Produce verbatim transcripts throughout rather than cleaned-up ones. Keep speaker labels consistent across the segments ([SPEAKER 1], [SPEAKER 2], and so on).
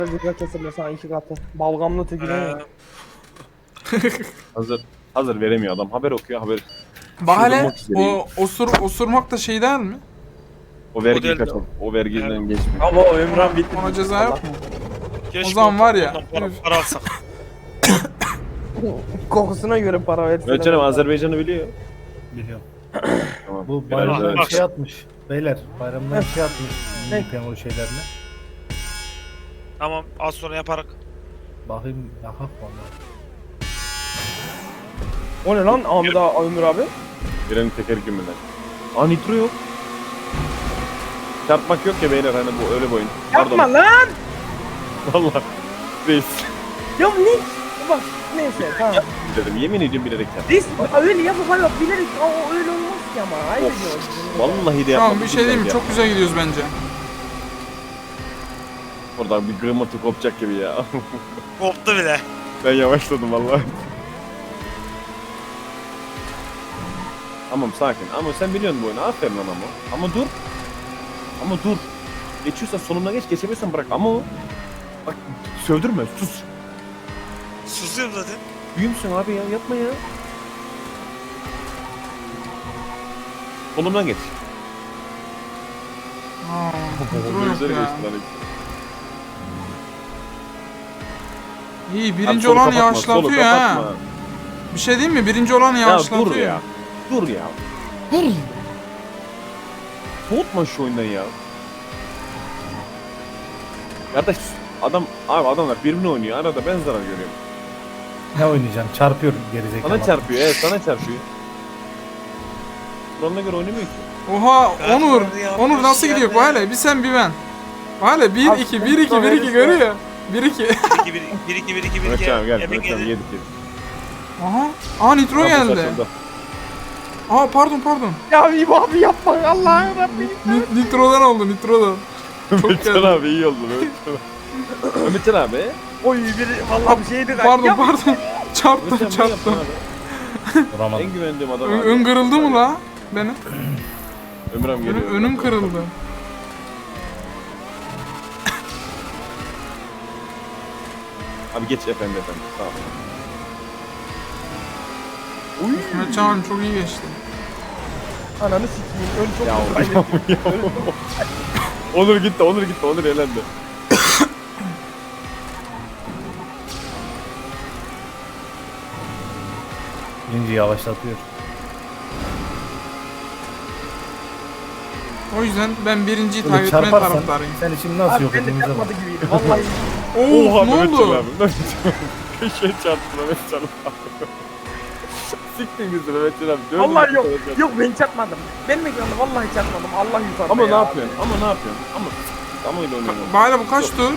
[SPEAKER 1] Zikra kesilme sana iki katı. Balgamlı tekine.
[SPEAKER 2] Ee,
[SPEAKER 3] Hazır. Hazır veremiyor adam. Haber okuyor haber.
[SPEAKER 4] Bak hele
[SPEAKER 3] Çıldırmak üzereyim.
[SPEAKER 4] o osur, osurmak da şey değil mi?
[SPEAKER 3] O vergiyi
[SPEAKER 2] Model de
[SPEAKER 3] kaçın. O vergiden
[SPEAKER 2] Evet.
[SPEAKER 3] geçmiyor.
[SPEAKER 1] Ama o Ömran bitti.
[SPEAKER 4] Ona ceza yok mu?
[SPEAKER 2] keşke
[SPEAKER 4] O zaman var ya,
[SPEAKER 2] ondan Para,
[SPEAKER 4] üf.
[SPEAKER 2] para alsak.
[SPEAKER 1] Kokusuna göre para versinler.
[SPEAKER 3] Evet canım Azerbaycan'ı biliyor.
[SPEAKER 5] Biliyorum.
[SPEAKER 3] Tamam.
[SPEAKER 5] Bu
[SPEAKER 3] Biraz
[SPEAKER 5] bayramdan
[SPEAKER 3] daha-
[SPEAKER 2] Bak.
[SPEAKER 5] şey atmış. Beyler bayramdan şey atmış.
[SPEAKER 1] Ne?
[SPEAKER 5] Yipen o şeylerine.
[SPEAKER 2] Tamam az sonra yaparak.
[SPEAKER 5] Bakayım yakak valla.
[SPEAKER 1] O ne lan Ahmet abi, Ömür abi?
[SPEAKER 3] Birenin teker gümüler. Aa nitro yok. Çarpmak yok ya beyler hani bu öyle bir oyun.
[SPEAKER 1] Yapma lan!
[SPEAKER 3] Valla. Reis.
[SPEAKER 1] Ya ne? Bak neyse tamam.
[SPEAKER 3] Dedim yemin ediyorum bilerek yaptım.
[SPEAKER 1] Reis öyle yapıp hayır bilerek o öyle olmaz ki ama. Hayır
[SPEAKER 3] Of.
[SPEAKER 1] diyor.
[SPEAKER 3] Vallahi de
[SPEAKER 4] Tamam
[SPEAKER 3] yapmadım.
[SPEAKER 4] bir şey diyeyim mi?
[SPEAKER 3] ya.
[SPEAKER 4] Çok güzel gidiyoruz bence.
[SPEAKER 3] Oradan bir gırmatı kopacak gibi ya.
[SPEAKER 2] Koptu bile.
[SPEAKER 3] Ben yavaşladım vallahi. Tamam sakin. Ama sen biliyorsun bu oyunu. Aferin lan ama. Ama dur. Ama dur. Geçiyorsan sonuna geç. Geçemiyorsan bırak. Ama o. Bak sövdürme. Sus.
[SPEAKER 2] Susuyorum zaten.
[SPEAKER 3] Büyümsün abi ya. Yapma ya. Solumdan geç.
[SPEAKER 4] Aa, nitro
[SPEAKER 3] Gözleri
[SPEAKER 4] yok ya.
[SPEAKER 3] geçti lan.
[SPEAKER 4] İyi
[SPEAKER 3] Abi
[SPEAKER 4] birinci
[SPEAKER 3] solu
[SPEAKER 4] olan
[SPEAKER 3] kapatma,
[SPEAKER 4] yavaşlatıyor
[SPEAKER 3] solu
[SPEAKER 4] ha.
[SPEAKER 3] kapatma.
[SPEAKER 4] Bir şey diyeyim mi? Birinci olan
[SPEAKER 3] Ya
[SPEAKER 4] yavaşlatıyor.
[SPEAKER 3] dur ya. Dur ya. Dur. Soğutma şu oyundan ya. Kardeş adam abi adamlar birbirini oynuyor. Arada ben zarar görüyorum.
[SPEAKER 5] Ne oynayacaksın? Çarpıyor gerizekalı.
[SPEAKER 3] Sana çarpıyor. Evet sana çarpıyor. Kur'an'ına göre oynamıyor ki.
[SPEAKER 4] Oha
[SPEAKER 2] Ben
[SPEAKER 4] Onur.
[SPEAKER 2] bunu yapmış
[SPEAKER 4] Onur nasıl
[SPEAKER 2] ya
[SPEAKER 4] gidiyor?
[SPEAKER 2] be.
[SPEAKER 4] Bak hele bir sen bir ben. Bak hele bir
[SPEAKER 1] Abi,
[SPEAKER 4] iki bir iki
[SPEAKER 1] nitro
[SPEAKER 4] bir iki
[SPEAKER 1] verirse-
[SPEAKER 4] görüyor. bir iki.
[SPEAKER 2] bir iki bir iki bir iki bir
[SPEAKER 3] Mehmet
[SPEAKER 2] iki.
[SPEAKER 3] abi gel.
[SPEAKER 2] Emin
[SPEAKER 3] Mehmet abi
[SPEAKER 2] geldi.
[SPEAKER 3] yedik yedik.
[SPEAKER 4] Aha. Aa nitro
[SPEAKER 3] Kapı
[SPEAKER 4] geldi.
[SPEAKER 3] saçıldı.
[SPEAKER 4] Aa pardon pardon.
[SPEAKER 1] Ya İbo abi yapma Allah'ım Rabbim.
[SPEAKER 4] Ni- nitrodan oldu nitrodan. Çok
[SPEAKER 3] Mehmetcan
[SPEAKER 4] geldi.
[SPEAKER 3] abi iyi oldu Mehmetcan abi. Mehmetcan abi.
[SPEAKER 1] Oy biri vallahi bir şeydi.
[SPEAKER 4] Pardon
[SPEAKER 1] Ya,
[SPEAKER 4] pardon. Çarptım
[SPEAKER 3] Mehmetcan abi
[SPEAKER 4] çarptım.
[SPEAKER 3] yapma abi.
[SPEAKER 5] Vuramadım.
[SPEAKER 3] En güvendiğim adam
[SPEAKER 4] Ö-
[SPEAKER 3] abi.
[SPEAKER 4] ön kırıldı mı la? Benim.
[SPEAKER 3] Ömrüm geliyor.
[SPEAKER 4] Önüm, önüm kırıldı.
[SPEAKER 3] Abi geç efendi efendi. Sağ ol. Uy.
[SPEAKER 4] Mehmetcan abim çok iyi geçti.
[SPEAKER 1] Ananı sikeyim. Ön çok
[SPEAKER 3] Ya
[SPEAKER 1] güzel.
[SPEAKER 3] ya ya. Onur gitti, Onur gitti, Onur elendi.
[SPEAKER 5] Birinci yavaşlatıyor.
[SPEAKER 4] O yüzden ben birinciyi
[SPEAKER 5] Böyle
[SPEAKER 4] takip etme
[SPEAKER 5] çarparsan
[SPEAKER 4] taraftarıyım.
[SPEAKER 5] sen şimdi nasıl
[SPEAKER 1] Abi
[SPEAKER 5] yok
[SPEAKER 1] ben de
[SPEAKER 5] ettiğimize bak.
[SPEAKER 1] yapmadı gibiydi. Vallahi.
[SPEAKER 4] Oo
[SPEAKER 3] Oha
[SPEAKER 4] ne
[SPEAKER 3] Mehmetcan
[SPEAKER 4] oldu?
[SPEAKER 3] abi. Mehmetcan abi. Köşeye çarptı Mehmetcan abi. Siktin bizi Mehmetcan abi. Döndün
[SPEAKER 1] Vallahi yok.
[SPEAKER 3] Mehmetcan abi.
[SPEAKER 1] Yok ben çarpmadım. Benim ekranda vallahi çarpmadım. Allah yukarıda
[SPEAKER 3] Ama
[SPEAKER 1] ya.
[SPEAKER 3] ne yapıyorsun? Ama ne yapıyorsun? Ama ama öyle oynuyorsun.
[SPEAKER 4] Bana bu kaç tur?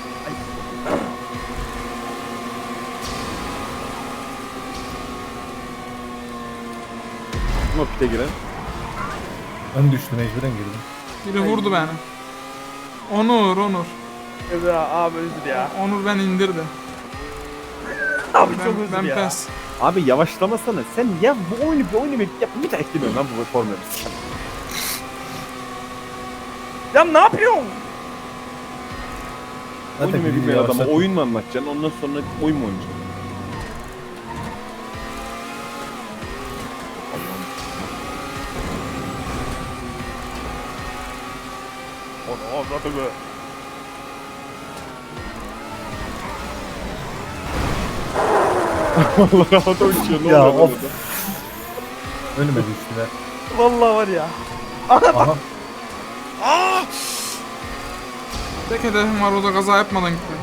[SPEAKER 3] Ama pite giren.
[SPEAKER 5] Ön düştü mecburen girdim.
[SPEAKER 4] Biri vurdu beni. Onur Onur.
[SPEAKER 1] Evet abi özür ya.
[SPEAKER 4] Onur beni indirdi.
[SPEAKER 1] Abi
[SPEAKER 4] Ben,
[SPEAKER 1] çok özür
[SPEAKER 4] ben
[SPEAKER 1] ya.
[SPEAKER 4] pes.
[SPEAKER 3] Abi yavaşlamasana. Sen ya bu oyunu bir oyunu bir yap. Bir daha eklemiyorum lan bu formülü.
[SPEAKER 1] Ya ne yapıyorsun?
[SPEAKER 5] Zaten
[SPEAKER 3] Oyunu
[SPEAKER 5] birinci
[SPEAKER 3] bilmeyen adama
[SPEAKER 5] yavaşlatıyor.
[SPEAKER 3] oyun mu anlatacaksın? Ondan sonra oyun mu oynayacaksın? Onu anladı mı? Allah havada uçuyor. Ne
[SPEAKER 5] Ya,
[SPEAKER 3] oluyor
[SPEAKER 5] of.
[SPEAKER 3] burada?
[SPEAKER 5] Önüme düştüler.
[SPEAKER 1] Vallahi var ya.
[SPEAKER 5] Aha.
[SPEAKER 2] Aa!
[SPEAKER 4] Tek hedefim var o da kaza yapmadan gitmek.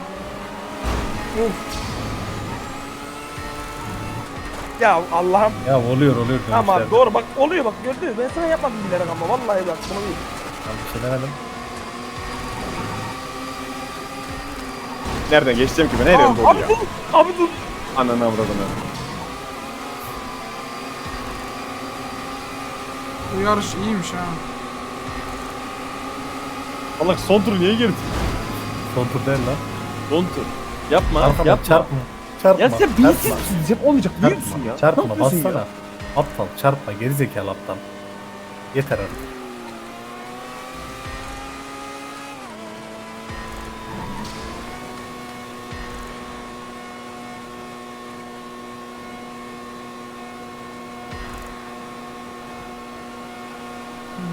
[SPEAKER 1] Ya Allah'ım.
[SPEAKER 5] Ya oluyor oluyor.
[SPEAKER 1] Ama
[SPEAKER 5] dönüşlerde.
[SPEAKER 1] doğru bak oluyor bak gördün mü? Ben sana yapmadım bilerek ama vallahi bak bunu değil.
[SPEAKER 5] Ben bir şey demedim.
[SPEAKER 3] Nereden geçeceğim ki ben? Her
[SPEAKER 4] Aa,
[SPEAKER 3] yerde
[SPEAKER 1] Abi
[SPEAKER 3] oluyor.
[SPEAKER 1] dur. Abi dur.
[SPEAKER 3] Ananı avradını.
[SPEAKER 4] Bu yarış iyiymiş ha.
[SPEAKER 3] Allah son tur niye girdin?
[SPEAKER 5] Son tur değil lan.
[SPEAKER 3] Son tur. Yapma,
[SPEAKER 5] Arkama
[SPEAKER 3] yapma.
[SPEAKER 5] çarpma. Çarpma.
[SPEAKER 3] Ya sen
[SPEAKER 5] çarpma.
[SPEAKER 3] bilsin misiniz? Hep olmayacak. Biliyor musun
[SPEAKER 5] Çarpma.
[SPEAKER 3] ya?
[SPEAKER 5] Çarpma.
[SPEAKER 3] Ne yapıyorsun
[SPEAKER 5] Bassana.
[SPEAKER 3] ya?
[SPEAKER 5] Aptal çarpma. Gerizekalı aptal. Yeter artık.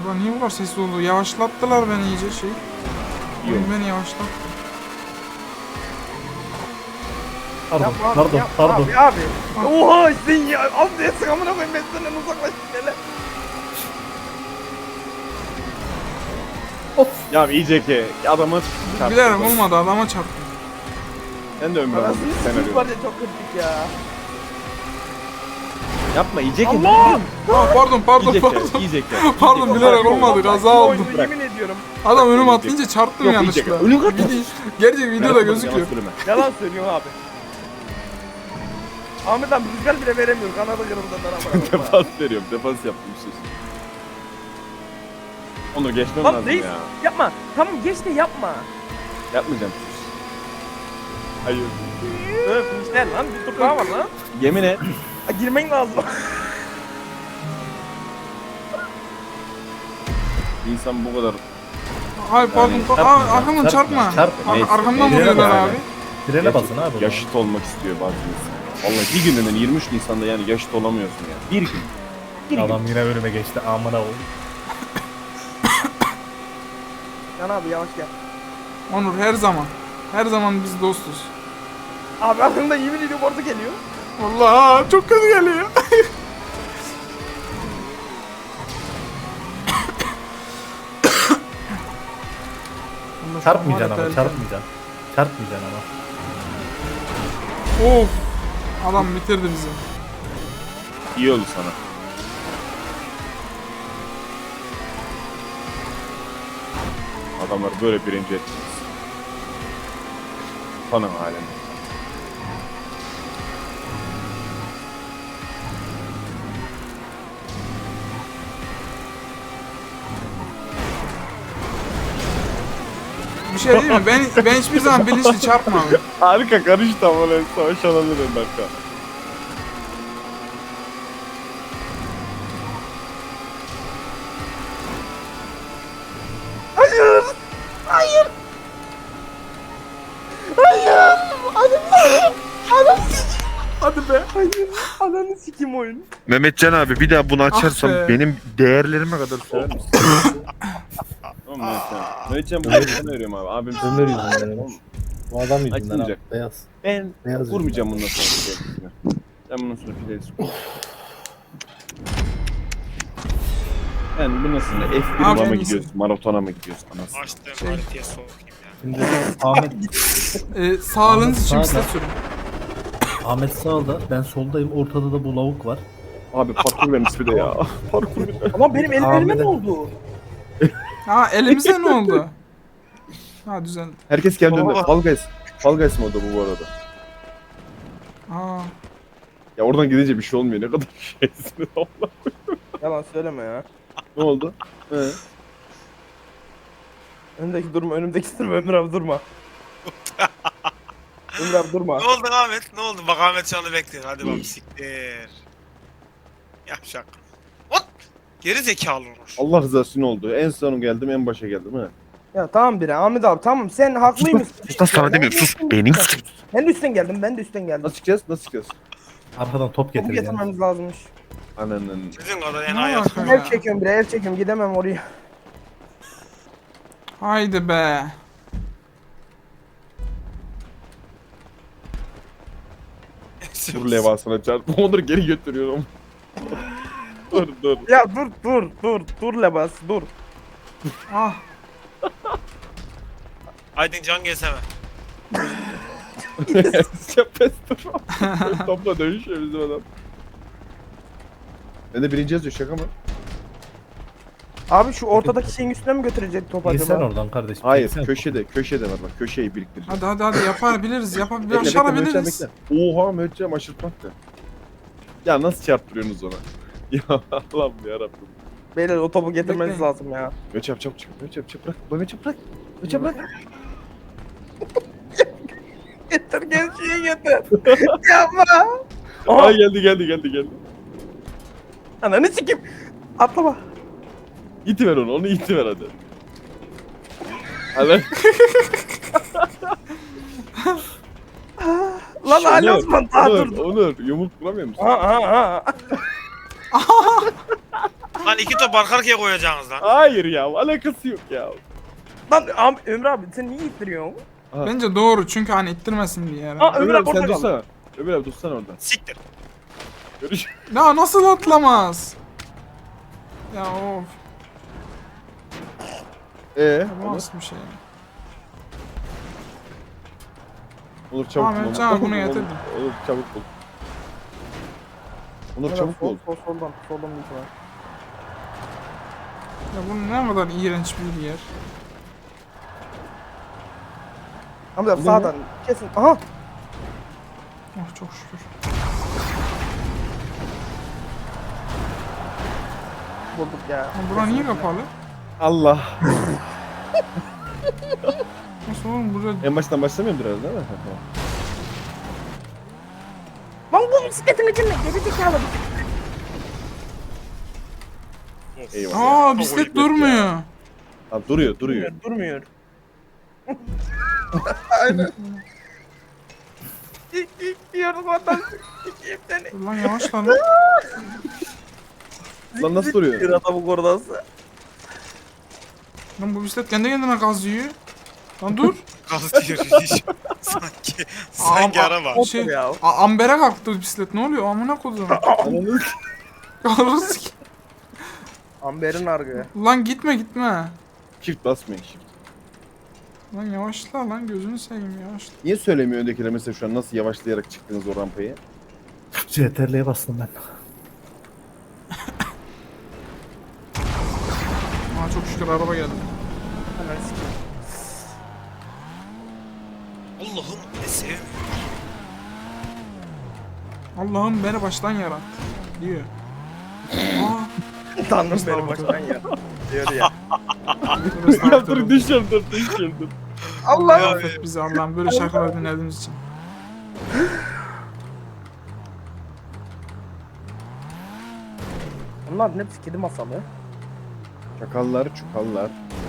[SPEAKER 4] Ulan niye bu kadar sesli oldu? Yavaşlattılar beni iyice şey. Oyun
[SPEAKER 3] Yok.
[SPEAKER 4] beni yavaşlattı.
[SPEAKER 5] Pardon,
[SPEAKER 1] Yapma abi,
[SPEAKER 5] pardon,
[SPEAKER 1] yapma
[SPEAKER 5] pardon.
[SPEAKER 1] Abi abi. Oha sen ya. Abi değilsin amına koyayım ben senden uzaklaştım hele.
[SPEAKER 3] Ya iyice ki adamı çarptı.
[SPEAKER 4] Bilerek olmadı, adama çarptım.
[SPEAKER 3] Sen de ömrü
[SPEAKER 1] Anasını
[SPEAKER 3] almışsın sen
[SPEAKER 1] sikeyim var
[SPEAKER 3] arıyorsun.
[SPEAKER 1] ya çok kritik ya.
[SPEAKER 3] Yapma iyice ki.
[SPEAKER 1] Allah!
[SPEAKER 4] Aa, pardon pardon
[SPEAKER 3] İyice
[SPEAKER 4] pardon.
[SPEAKER 3] ki. İyice ki.
[SPEAKER 4] Pardon bilerek olmadı, kaza
[SPEAKER 1] Bu
[SPEAKER 4] oldu.
[SPEAKER 1] oyunu
[SPEAKER 3] Bırak.
[SPEAKER 1] yemin ediyorum.
[SPEAKER 4] Adam önüme
[SPEAKER 3] Yok,
[SPEAKER 4] atlayınca çarptım
[SPEAKER 3] Yok,
[SPEAKER 4] yanlışlıkla.
[SPEAKER 3] iyice. Önüm kaç.
[SPEAKER 4] Video, gerçek videoda gözüküyor.
[SPEAKER 1] Yalan söylüyorsun abi. Ahmet abi rüzgar bile veremiyor. Kanada yarımdan amına.
[SPEAKER 3] Defans veriyorum. Defans yaptım sus. Onu geçmem
[SPEAKER 1] Lan
[SPEAKER 3] lazım
[SPEAKER 1] reis
[SPEAKER 3] ya.
[SPEAKER 1] yapma. Tamam geç de yapma.
[SPEAKER 3] Yapmayacağım sus. Hayır.
[SPEAKER 1] Öf işte lan bir tur daha var lan.
[SPEAKER 3] Yemin et.
[SPEAKER 1] Ha, girmen lazım.
[SPEAKER 3] Bir insan bu kadar
[SPEAKER 4] Hayır pardon.
[SPEAKER 3] Yani
[SPEAKER 4] pa-
[SPEAKER 5] çarpma,
[SPEAKER 4] Aa, arkamdan
[SPEAKER 5] çarpma,
[SPEAKER 4] çarpma.
[SPEAKER 5] çarpma.
[SPEAKER 4] Ar-
[SPEAKER 3] Neyse,
[SPEAKER 4] arkamdan
[SPEAKER 3] neyse.
[SPEAKER 4] vuruyorlar
[SPEAKER 5] Frene
[SPEAKER 4] abi.
[SPEAKER 5] basın. Frene basın abi.
[SPEAKER 3] yaşıt olmak istiyor bazı insan. Vallahi bir gününden yirmi üç Nisan'da yani yaşıt olamıyorsun ya. Bir gün. Bir gün.
[SPEAKER 5] Adam yine önüme geçti. Amına koyayım.
[SPEAKER 1] Can abi yavaş gel.
[SPEAKER 4] Onur her zaman. Her zaman biz dostuz.
[SPEAKER 1] Abi aklımda yemin ediyorum orada geliyor.
[SPEAKER 4] Allah çok kötü geliyor.
[SPEAKER 5] Çarpmayacaksın ama, çarpmayacaksın. Çarpmayacaksın ama.
[SPEAKER 4] Of. Adam bitirdi bizi.
[SPEAKER 3] İyi oldu sana. Adamlar böyle birinci ettiniz. Tanım halini.
[SPEAKER 4] Bir şey değil mi? Ben ben hiçbir zaman bilinçli çarpmam.
[SPEAKER 3] Harika karıştı ama lan savaş alanı en dakika.
[SPEAKER 1] Hayır. Hayır. Hayır. Hadi Hadi Hadi be. Hayır. Ananı sikim oyun.
[SPEAKER 2] Mehmetcan abi bir daha bunu
[SPEAKER 4] açarsam be.
[SPEAKER 2] benim değerlerime kadar
[SPEAKER 3] Söyler misin? Tamam Mehmetcan. Mehmetcan bu arada sana veriyorum abi. Abim
[SPEAKER 5] Ömer yüzünden benim. Bu adam yüzünden abi.
[SPEAKER 3] Açılmayacak.
[SPEAKER 5] Beyaz.
[SPEAKER 3] Ben
[SPEAKER 5] Beyaz
[SPEAKER 3] vurmayacağım bundan sonra. kendisine. Ben bundan sonra Fidelis Ben bu nasıl? F bir
[SPEAKER 4] Abi
[SPEAKER 3] mı
[SPEAKER 4] en
[SPEAKER 3] gidiyoruz? Maratona mı gidiyoruz? Anasını.
[SPEAKER 2] Açtım haritaya sokayım ya.
[SPEAKER 5] Şimdi Ahmet,
[SPEAKER 4] Ee, sağlığınız için
[SPEAKER 5] Sağda.
[SPEAKER 4] size sürün.
[SPEAKER 5] Ahmet sağda, ben soldayım. Ortada da bu lavuk var.
[SPEAKER 3] Abi parkur vermiş bir de ya. Parkur bir de.
[SPEAKER 1] Ama benim ellerime
[SPEAKER 5] Ahmet'e-
[SPEAKER 1] ne oldu?
[SPEAKER 4] Ha elimize ne oldu? Ha düzen.
[SPEAKER 3] Herkes kendi önünde.
[SPEAKER 2] Baba.
[SPEAKER 3] Fall Guys. Fall Guys modu bu bu arada.
[SPEAKER 4] Aa.
[SPEAKER 3] Ya oradan gidince bir şey olmuyor. Ne kadar şeysiniz Allah.
[SPEAKER 1] Yalan söyleme ya.
[SPEAKER 3] Ne oldu? He.
[SPEAKER 1] Önümdeki durma, önümdeki durma, Ömür abi durma. Ömür abi durma.
[SPEAKER 2] Ne oldu Ahmet? Ne oldu? Bak Ahmet şu anda bekliyor. Hadi bak siktir. Yapacak. Hop! Geri zekalı olur.
[SPEAKER 3] Allah rızası için oldu. En son geldim, en başa geldim ha.
[SPEAKER 1] Ya tamam biri Ahmet abi tamam sen haklıymışsın.
[SPEAKER 2] Sus lan sana demiyorum sus. Beynin sus.
[SPEAKER 1] Ben de üstten geldim, ben de üstten geldim.
[SPEAKER 3] Nasıl çıkacağız? Nasıl çıkacağız?
[SPEAKER 5] Arkadan top
[SPEAKER 1] Topu
[SPEAKER 5] getireceğim.
[SPEAKER 1] getirmemiz lazımmış.
[SPEAKER 3] Ananın.
[SPEAKER 2] Sizin kadar en
[SPEAKER 4] Ne
[SPEAKER 2] ayak.
[SPEAKER 4] alaka ya?
[SPEAKER 1] El çekiyorum bre, el çekiyorum gidemem oraya.
[SPEAKER 4] Haydi be.
[SPEAKER 3] Dur levasına çarp. Onları geri götürüyorum. dur dur.
[SPEAKER 1] Ya dur dur dur dur Lebas dur.
[SPEAKER 4] Ah.
[SPEAKER 2] Aydın can gelsene.
[SPEAKER 3] Sepes dur. Topla dövüşüyor bizim adam. Ben de birinci yazıyor şaka mı?
[SPEAKER 1] Abi şu ortadaki şeyin üstüne mi götürecek top
[SPEAKER 5] İyi sen
[SPEAKER 1] acaba?
[SPEAKER 5] oradan kardeşim.
[SPEAKER 3] Hayır
[SPEAKER 5] Çeksen.
[SPEAKER 3] köşede köşede var bak köşeyi biriktireceğiz.
[SPEAKER 4] Hadi hadi hadi yapabiliriz. Yapabiliriz.
[SPEAKER 3] Bekle, bekle, Mehmetcan,
[SPEAKER 4] Başarabiliriz.
[SPEAKER 3] bekle. Oha Mehmetcan aşırtmak da. Ya nasıl çarptırıyorsunuz ona? Ya Allah'ım yarabbim.
[SPEAKER 1] Beyler o topu getirmeniz
[SPEAKER 4] Bekleyin.
[SPEAKER 1] lazım ya.
[SPEAKER 3] Mehmetcan çabuk çabuk Mehmetcan çabuk bırak. Mehmetcan bırak. Mehmetcan bırak.
[SPEAKER 1] Getir gençliği getir. Yapma.
[SPEAKER 3] Aa
[SPEAKER 1] Aha.
[SPEAKER 3] geldi geldi geldi geldi.
[SPEAKER 1] Ananı sikim. Atlama.
[SPEAKER 3] İtiver onu onu itiver hadi. Hadi.
[SPEAKER 1] Lan hala Osman daha
[SPEAKER 3] Onur,
[SPEAKER 1] dur.
[SPEAKER 3] Onur yumruk vuramıyor musun?
[SPEAKER 1] Aha aha aha.
[SPEAKER 2] Lan iki top arka arkaya koyacaksınız lan.
[SPEAKER 3] Hayır ya, alakası yok ya.
[SPEAKER 1] Lan abi, Ömür abi sen niye ittiriyorsun?
[SPEAKER 4] Bence doğru çünkü hani ittirmesin diye yani.
[SPEAKER 1] Aa,
[SPEAKER 3] Ömür
[SPEAKER 1] Ömür
[SPEAKER 3] abi
[SPEAKER 1] abi
[SPEAKER 3] sen
[SPEAKER 1] orada kaldı.
[SPEAKER 3] dursana. Ömür abi dursana oradan.
[SPEAKER 2] Siktir.
[SPEAKER 3] Görüş.
[SPEAKER 4] Ya nasıl atlamaz? Ya of.
[SPEAKER 3] Eee?
[SPEAKER 4] Bu
[SPEAKER 3] Olur,
[SPEAKER 4] nasıl bir şey?
[SPEAKER 3] olur çabuk
[SPEAKER 4] Ahmet
[SPEAKER 3] bul.
[SPEAKER 4] Can,
[SPEAKER 3] Olur,
[SPEAKER 4] bunu
[SPEAKER 3] olur,
[SPEAKER 4] getirdim.
[SPEAKER 3] Olur çabuk bul. Onur
[SPEAKER 1] Ömür abi,
[SPEAKER 3] çabuk
[SPEAKER 1] sol,
[SPEAKER 3] bul.
[SPEAKER 1] sol, soldan, soldan bir var.
[SPEAKER 4] Ya bu ne kadar iğrenç bir yer.
[SPEAKER 1] Hamza abi
[SPEAKER 3] Buldun mu?
[SPEAKER 1] sağdan kesin. Aha.
[SPEAKER 4] Oh çok şükür.
[SPEAKER 1] Bulduk ya.
[SPEAKER 4] Ya bura niye kapalı?
[SPEAKER 3] Allah.
[SPEAKER 4] Nasıl oğlum burada...
[SPEAKER 3] En baştan başlamıyordur herhalde değil mi?
[SPEAKER 1] Lan bu bisikletin içinde geri zekalı.
[SPEAKER 3] Eyvallah.
[SPEAKER 4] Aa bisiklet
[SPEAKER 3] bisiklet
[SPEAKER 4] durmuyor.
[SPEAKER 3] Abi duruyor, duruyor.
[SPEAKER 1] Durmuyor. Aynen. İlk ilk diyorum ondan. İki seni.
[SPEAKER 4] Dur lan yavaş lan. lan.
[SPEAKER 3] Lan nasıl duruyor?
[SPEAKER 1] Bir adamın korodası.
[SPEAKER 4] Lan bu bisiklet kendi kendine gaz yiyor. Lan dur.
[SPEAKER 2] Gaz diyor hiç. Sanki. Sanki
[SPEAKER 4] Aa,
[SPEAKER 2] araba.
[SPEAKER 4] aa, Şey,
[SPEAKER 1] ya.
[SPEAKER 4] a- ambere kalktı bisiklet. Ne oluyor? Amına kodum.
[SPEAKER 3] Ananı
[SPEAKER 4] Kalırız ki.
[SPEAKER 1] Amber'in argı.
[SPEAKER 4] Lan gitme gitme.
[SPEAKER 3] Shift basmayın shift.
[SPEAKER 4] Lan yavaşla lan gözünü seveyim yavaşla.
[SPEAKER 3] Niye söylemiyor öndekiler mesela şu an nasıl yavaşlayarak çıktınız o rampayı?
[SPEAKER 5] C T R L'ye bastım ben.
[SPEAKER 4] Aa çok şükür araba geldi.
[SPEAKER 1] Hemen sikeyim.
[SPEAKER 2] Allah'ım ne sevmiyorum.
[SPEAKER 4] Allah'ım beni baştan yarattı. Diyor. Aa.
[SPEAKER 1] Tanrım beni baştan ya. Diyor ya.
[SPEAKER 4] Dur, estağfurullah.
[SPEAKER 3] düşeceğim dur düşeceğim dur.
[SPEAKER 1] Allah.
[SPEAKER 4] Affet bizi Allah'ım böyle şarkılar dinlediğimiz için.
[SPEAKER 1] Bunlar hepsi kedi masalı.
[SPEAKER 3] Çakallar çukallar.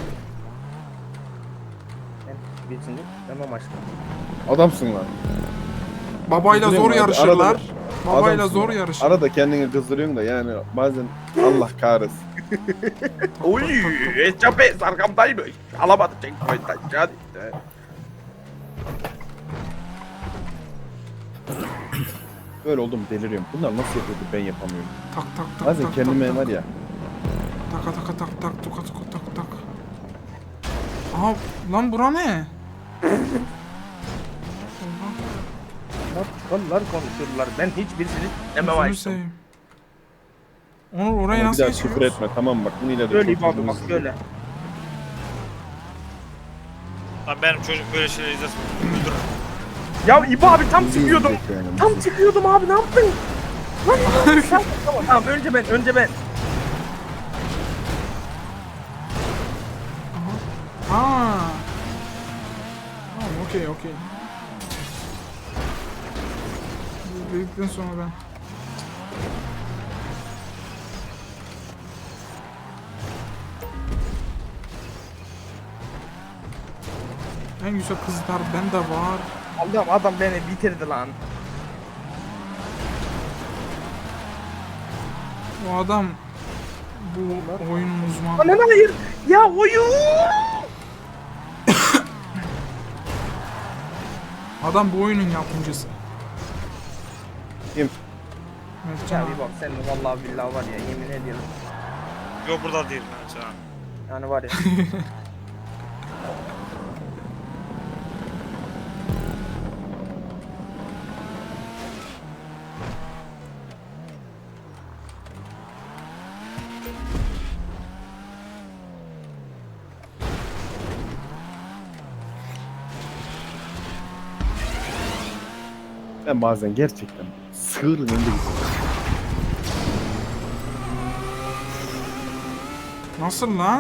[SPEAKER 1] Ben birinci demem aşkım.
[SPEAKER 3] Adamsın lan.
[SPEAKER 4] Babayla
[SPEAKER 3] Üzülüyorum
[SPEAKER 4] zor
[SPEAKER 3] abi,
[SPEAKER 4] yarışırlar.
[SPEAKER 3] arada-
[SPEAKER 4] Babayla
[SPEAKER 3] Adamsın
[SPEAKER 4] zor
[SPEAKER 3] ya.
[SPEAKER 4] yarışır.
[SPEAKER 3] Arada kendini kızdırıyorsun da yani bazen Allah kahretsin.
[SPEAKER 1] Oy, Eçapes arkamdaymış. Alamadı checkpoint'tan. Hadi.
[SPEAKER 3] Böyle oldum deliriyorum. Bunlar nasıl yapıyordu ben yapamıyorum.
[SPEAKER 4] Tak tak tak
[SPEAKER 3] Bazen
[SPEAKER 4] tak
[SPEAKER 3] kendime
[SPEAKER 4] tak,
[SPEAKER 3] var ya.
[SPEAKER 4] Taka taka tak tak tuka tuka tak tak. Aha lan bura ne? Oha,
[SPEAKER 1] Bunlar çukallar konuşuyorlar. Ben hiçbirisini demem
[SPEAKER 4] gözünü
[SPEAKER 1] aşkım.
[SPEAKER 4] seveyim. Onur orayı
[SPEAKER 3] Ama bir
[SPEAKER 4] nasıl
[SPEAKER 3] daha küfür
[SPEAKER 4] geçiyoruz?
[SPEAKER 3] etme tamam bak bunu ileride
[SPEAKER 1] Böyle
[SPEAKER 3] çok
[SPEAKER 1] abi bak
[SPEAKER 3] üzülürsün.
[SPEAKER 1] böyle.
[SPEAKER 2] Lan benim çocuk böyle şeyler izlesin. Öldürür.
[SPEAKER 1] Ya İbo abi tam
[SPEAKER 3] Bizi
[SPEAKER 1] çıkıyordum.
[SPEAKER 3] üzülecek yani.
[SPEAKER 1] Tam çıkıyordum abi ne yaptın? Lan İbo abi sen- tamam tamam önce ben önce ben.
[SPEAKER 4] Aa. Tamam okey okey. Bu Dedikten sonra ben. En güzel kızlar bende var.
[SPEAKER 1] Allah'ım adam beni bitirdi lan.
[SPEAKER 4] O adam bu oyunun uzmanı.
[SPEAKER 1] Anan hayır. Ya oyun.
[SPEAKER 4] Adam bu oyunun yapımcısı.
[SPEAKER 3] Kim?
[SPEAKER 4] Evet,
[SPEAKER 1] Ya
[SPEAKER 4] canım.
[SPEAKER 1] bir bak sen de vallahi billahi var ya yemin ediyorum.
[SPEAKER 2] Yok burada değil bence ha.
[SPEAKER 1] Yani var ya.
[SPEAKER 3] Ben bazen gerçekten sığırın önünde gidiyorum.
[SPEAKER 4] Nasıl lan?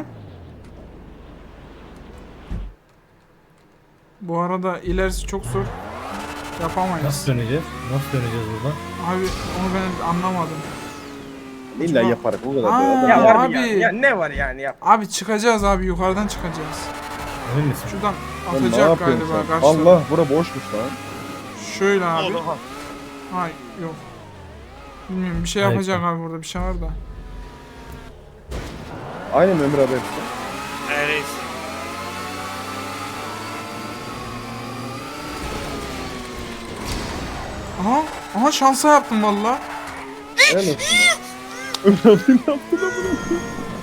[SPEAKER 4] Bu arada ilerisi çok zor. Yapamayız.
[SPEAKER 5] Nasıl döneceğiz? Nasıl döneceğiz buradan?
[SPEAKER 4] Abi onu ben anlamadım.
[SPEAKER 3] İlla
[SPEAKER 4] Acaba-
[SPEAKER 3] yaparak o kadar
[SPEAKER 4] Aa,
[SPEAKER 3] da adam.
[SPEAKER 1] Ya var
[SPEAKER 4] abi.
[SPEAKER 1] mı yani? Ya ne var yani ya?
[SPEAKER 4] Abi çıkacağız abi yukarıdan çıkacağız.
[SPEAKER 5] Emin misin?
[SPEAKER 4] Şuradan
[SPEAKER 3] Lan ne
[SPEAKER 4] atacak
[SPEAKER 3] yapıyorsun
[SPEAKER 4] galiba
[SPEAKER 3] sen?
[SPEAKER 4] karşıdan.
[SPEAKER 3] Allah bura boşmuş lan.
[SPEAKER 4] Şöyle abi.
[SPEAKER 2] Oğlum.
[SPEAKER 4] Hayır yok. Bilmiyorum bir şey
[SPEAKER 5] Hayır.
[SPEAKER 4] yapacak abi burada bir şey var da.
[SPEAKER 3] Aynen Ömür abi hepsi.
[SPEAKER 2] Neredeyiz?
[SPEAKER 4] Aha. Aha şansa yaptım valla.
[SPEAKER 3] Helal olsun ya. Ömür abi ne yaptı lan bunu?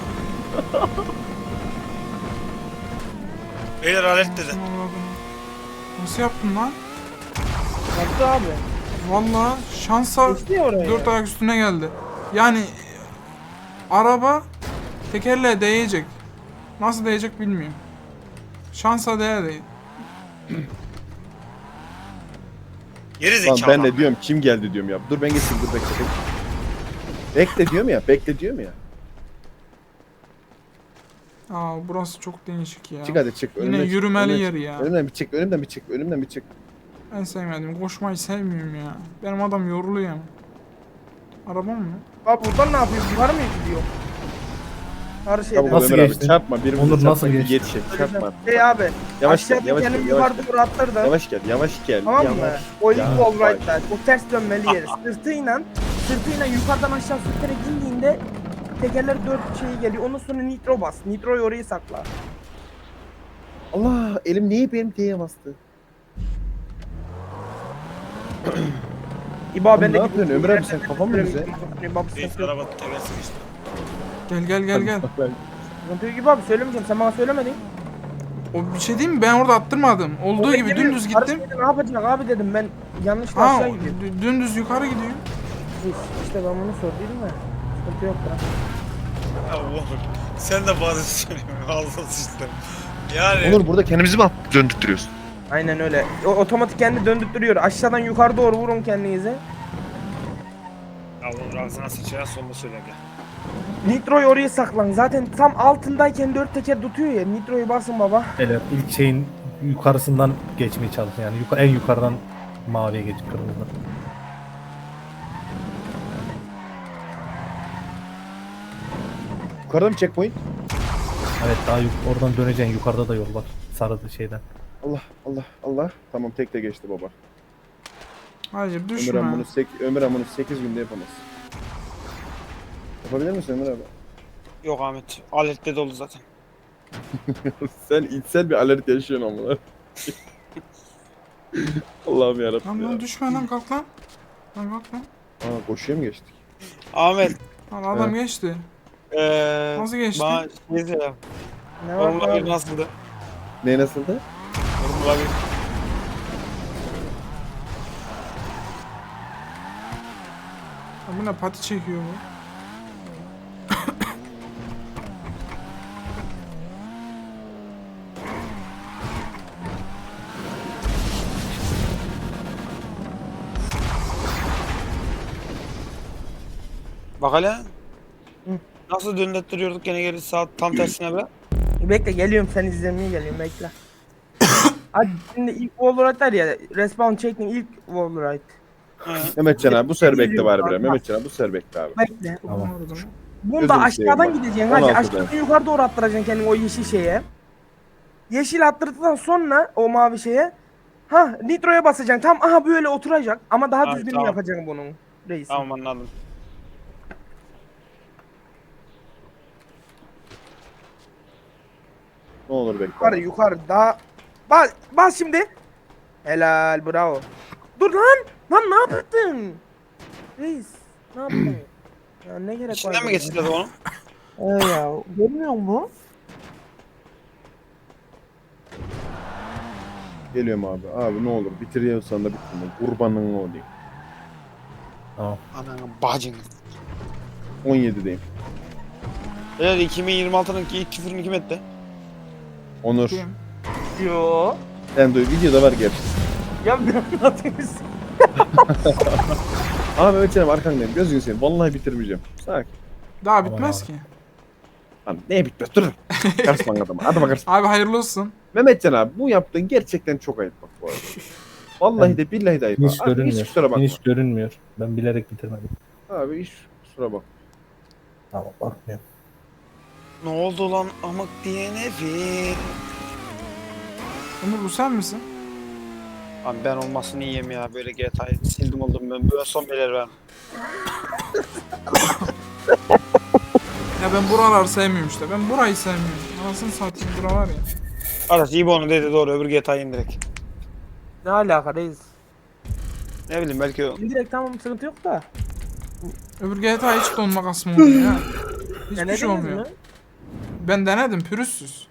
[SPEAKER 2] Beyler alet dedi.
[SPEAKER 4] Nasıl yaptın lan?
[SPEAKER 1] Yaptı abi.
[SPEAKER 4] Valla şansa
[SPEAKER 1] Geçti ya oraya.
[SPEAKER 4] dört ayak üstüne geldi. Yani araba tekerleğe değecek. Nasıl değecek bilmiyorum. Şansa değer değil.
[SPEAKER 2] Geri
[SPEAKER 3] Lan
[SPEAKER 2] zekalı.
[SPEAKER 3] ben de diyorum kim geldi diyorum ya. Dur ben geçeyim dur bekle bekle. Bekle diyorum ya bekle diyorum ya.
[SPEAKER 4] Aa burası çok değişik ya.
[SPEAKER 3] Çık hadi çık.
[SPEAKER 4] Yine
[SPEAKER 3] önümden çık,
[SPEAKER 4] yürümeli
[SPEAKER 3] önümden
[SPEAKER 4] yer
[SPEAKER 3] çık.
[SPEAKER 4] ya.
[SPEAKER 3] Önümden bir çık önümden bir çık önümden bir çık.
[SPEAKER 4] En sevmediğim. Koşmayı sevmiyorum ya. Benim adam yoruluyor ama. Arabam mı?
[SPEAKER 1] Abi buradan ne yapıyor? Yukarı mı gidiyor? Her şeyden.
[SPEAKER 3] Çabuk
[SPEAKER 5] Nasıl
[SPEAKER 3] Ömür abi
[SPEAKER 5] geçtin?
[SPEAKER 3] çarpma birbirimize
[SPEAKER 5] Onur
[SPEAKER 3] çarpma.
[SPEAKER 5] nasıl
[SPEAKER 3] bir
[SPEAKER 5] geçtin?
[SPEAKER 3] Yetişek çarpma.
[SPEAKER 1] Şey abi.
[SPEAKER 3] Yavaş gel
[SPEAKER 1] aşağıda
[SPEAKER 3] yavaş
[SPEAKER 1] kendimi
[SPEAKER 3] gel yavaş
[SPEAKER 1] yukarıda
[SPEAKER 3] gel.
[SPEAKER 1] doğru attırdım.
[SPEAKER 3] Yavaş gel yavaş gel.
[SPEAKER 1] Tamam mı?
[SPEAKER 3] yavaş.
[SPEAKER 1] O ilk
[SPEAKER 3] Ya,
[SPEAKER 1] wall
[SPEAKER 3] bak.
[SPEAKER 1] ride'da. O ters dönmeli yeri. Sırtıyla, sırtıyla yukarıdan aşağı sürterek indiğinde tekerler dört şeyi geliyor. Ondan sonra nitro bas. Nitroyu oraya sakla.
[SPEAKER 3] Allah elim niye benim T'ye bastı?
[SPEAKER 1] İbo
[SPEAKER 3] Oğlum
[SPEAKER 1] ben de
[SPEAKER 3] ne yapıyorsun Ömür abi sen kafan mı güzel?
[SPEAKER 2] Reis araba tekersin işte.
[SPEAKER 4] Gel gel gel gel.
[SPEAKER 1] Sıkıntı yok gibi abi söylemeyeceğim. Sen bana söylemedin.
[SPEAKER 4] O bir şey diyeyim mi? Ben orada attırmadım. Olduğu
[SPEAKER 1] Oraya
[SPEAKER 4] gibi
[SPEAKER 1] geliyorum.
[SPEAKER 4] dümdüz
[SPEAKER 1] Karı
[SPEAKER 4] gittim.
[SPEAKER 1] dedi, Ne yapacak abi dedim ben yanlışla
[SPEAKER 4] Ha
[SPEAKER 1] aşağı gidiyorum.
[SPEAKER 4] dü- dümdüz yukarı gidiyor.
[SPEAKER 1] İşte ben bunu sorduydum da. Sıkıntı yok da.
[SPEAKER 2] Allah'ım. Sen de bazı söylüyorsun. Ağzına sıçtım. Yani.
[SPEAKER 3] Onur burada kendimizi mi döndürtüyoruz?
[SPEAKER 1] Aynen öyle. O otomatik kendi döndürtüyor. Aşağıdan yukarı doğru vurun kendinize.
[SPEAKER 2] Allah'ım ağzına sıçrayan sonunu söyle gel.
[SPEAKER 1] Nitroyu oraya saklan. Zaten tam altındayken dört teker tutuyor ya. Nitroyu basın baba.
[SPEAKER 5] Beyler ilk şeyin yukarısından geçmeye çalışın yani yuka- en yukarıdan maviye geçip kırmızıdan.
[SPEAKER 3] Yukarıda mı checkpoint?
[SPEAKER 5] Evet daha yuk- oradan döneceksin yukarıda da yol var sarı şeyden.
[SPEAKER 3] Allah Allah Allah. Tamam tek de geçti baba.
[SPEAKER 4] Hayır
[SPEAKER 3] Ömür
[SPEAKER 4] düşme.
[SPEAKER 3] abi bunu sek Ömür abi bunu sekiz günde yapamaz. Yapabilir misin Ömür abi?
[SPEAKER 2] Yok Ahmet. Alette dolu zaten.
[SPEAKER 3] Sen içsel bir alert yaşıyorsun ama. Allah'ım
[SPEAKER 4] Lan
[SPEAKER 3] yarabbim
[SPEAKER 4] lan
[SPEAKER 3] ya.
[SPEAKER 4] düşme lan kalk lan. Lan kalk lan.
[SPEAKER 3] Aa koşuya mı geçtik?
[SPEAKER 2] Ahmet.
[SPEAKER 4] Lan adam geçti.
[SPEAKER 2] Eee.
[SPEAKER 4] Nasıl geçti?
[SPEAKER 2] Bana şey söyle.
[SPEAKER 1] Ne var
[SPEAKER 2] Formula bir
[SPEAKER 1] abi?
[SPEAKER 2] nasıldı?
[SPEAKER 3] Ne nasıldı?
[SPEAKER 2] Formula bir.
[SPEAKER 4] Lan bu ne pati çekiyor bu.
[SPEAKER 2] Bak hele.
[SPEAKER 1] Hı.
[SPEAKER 2] Nasıl döndürtüyorduk gene geri saat tam tersine be.
[SPEAKER 1] Bekle geliyorum sen izlemeye geliyorum bekle. Hadi şimdi ilk wall ride var ya. Respawn çektin ilk wall ride.
[SPEAKER 2] Hı.
[SPEAKER 3] Mehmetcan abi bu sefer bekle bari bre.
[SPEAKER 1] Bak.
[SPEAKER 3] Mehmetcan abi bu sefer bekle abi.
[SPEAKER 1] Bekle.
[SPEAKER 5] Tamam.
[SPEAKER 4] Orada mı?
[SPEAKER 1] Bunda
[SPEAKER 3] Gözünü
[SPEAKER 1] aşağıdan
[SPEAKER 3] seveyim bak.
[SPEAKER 1] gideceksin
[SPEAKER 3] on
[SPEAKER 1] hadi.
[SPEAKER 3] altıda.
[SPEAKER 1] Aşağıdan yukarı doğru attıracaksın kendini o yeşil şeye. Yeşil attırdıktan sonra o mavi şeye. Ha nitroya basacaksın. Tam aha böyle oturacak. Ama daha
[SPEAKER 2] Abi,
[SPEAKER 1] düzgün
[SPEAKER 2] tamam.
[SPEAKER 1] yapacaksın bunun. Reis.
[SPEAKER 2] Tamam anladım.
[SPEAKER 3] Ne olur bekle.
[SPEAKER 1] Yukarı yukarı daha. Bas, bas şimdi. Helal bravo. Dur lan. Lan ne yaptın? Reis. Ne yaptın? Ya ne gerek var?
[SPEAKER 2] İçinden mi
[SPEAKER 1] buna?
[SPEAKER 2] geçti dedi onu?
[SPEAKER 1] Ee ya. Görmüyor musun?
[SPEAKER 3] Geliyorum abi. Abi ne olur bitiriyorsan da bitirme. Kurbanın olayım.
[SPEAKER 5] Tamam.
[SPEAKER 2] Ananı bacını.
[SPEAKER 3] on yedideyim.
[SPEAKER 2] Beyler iki bin yirmi altının ilk küfürünü kim etti?
[SPEAKER 3] Onur.
[SPEAKER 4] Kim?
[SPEAKER 1] Yo.
[SPEAKER 3] Sen duy videoda var gerçi.
[SPEAKER 1] Ya bir anlatayım size.
[SPEAKER 3] Abi Mehmetcan abi arkandayım. Gözünü seveyim. Vallahi bitirmeyeceğim. Sakin.
[SPEAKER 4] Daha
[SPEAKER 5] Tamam
[SPEAKER 4] bitmez
[SPEAKER 5] abi.
[SPEAKER 4] ki.
[SPEAKER 3] Lan neye bitmez? Dur. Karsman adama. Hadi bakarsın.
[SPEAKER 4] Abi hayırlı olsun.
[SPEAKER 3] Mehmetcan abi bu yaptığın gerçekten çok ayıp bak bu arada. Vallahi de billahi de ayıp.
[SPEAKER 5] Hiç
[SPEAKER 3] Abi,
[SPEAKER 5] görünmüyor.
[SPEAKER 3] hiç kusura bakma.
[SPEAKER 5] Hiç görünmüyor. Ben bilerek bitirmedim.
[SPEAKER 3] Abi hiç kusura bakma.
[SPEAKER 5] Tamam bakmıyorum.
[SPEAKER 2] Ne oldu lan amık diyene bir.
[SPEAKER 4] Ömür bu sen misin?
[SPEAKER 2] Abi ben olmasını yiyeyim ya böyle G T A'yı sildim oldum ben böyle son beyler ben.
[SPEAKER 4] Ya ben buraları sevmiyorum işte. Ben burayı sevmiyorum. Anasını satayım bura var ya.
[SPEAKER 2] Arkadaş iyi onu dedi doğru öbür G T A'yı indirek.
[SPEAKER 1] Ne alaka reis?
[SPEAKER 2] Ne bileyim belki o.
[SPEAKER 1] İndirek tamam sıkıntı yok da.
[SPEAKER 4] Öbür G T A hiç donma kasma oluyor ya.
[SPEAKER 1] Ya
[SPEAKER 4] Hiçbir
[SPEAKER 1] ne
[SPEAKER 4] şey olmuyor.
[SPEAKER 1] mi?
[SPEAKER 4] Ben denedim pürüzsüz.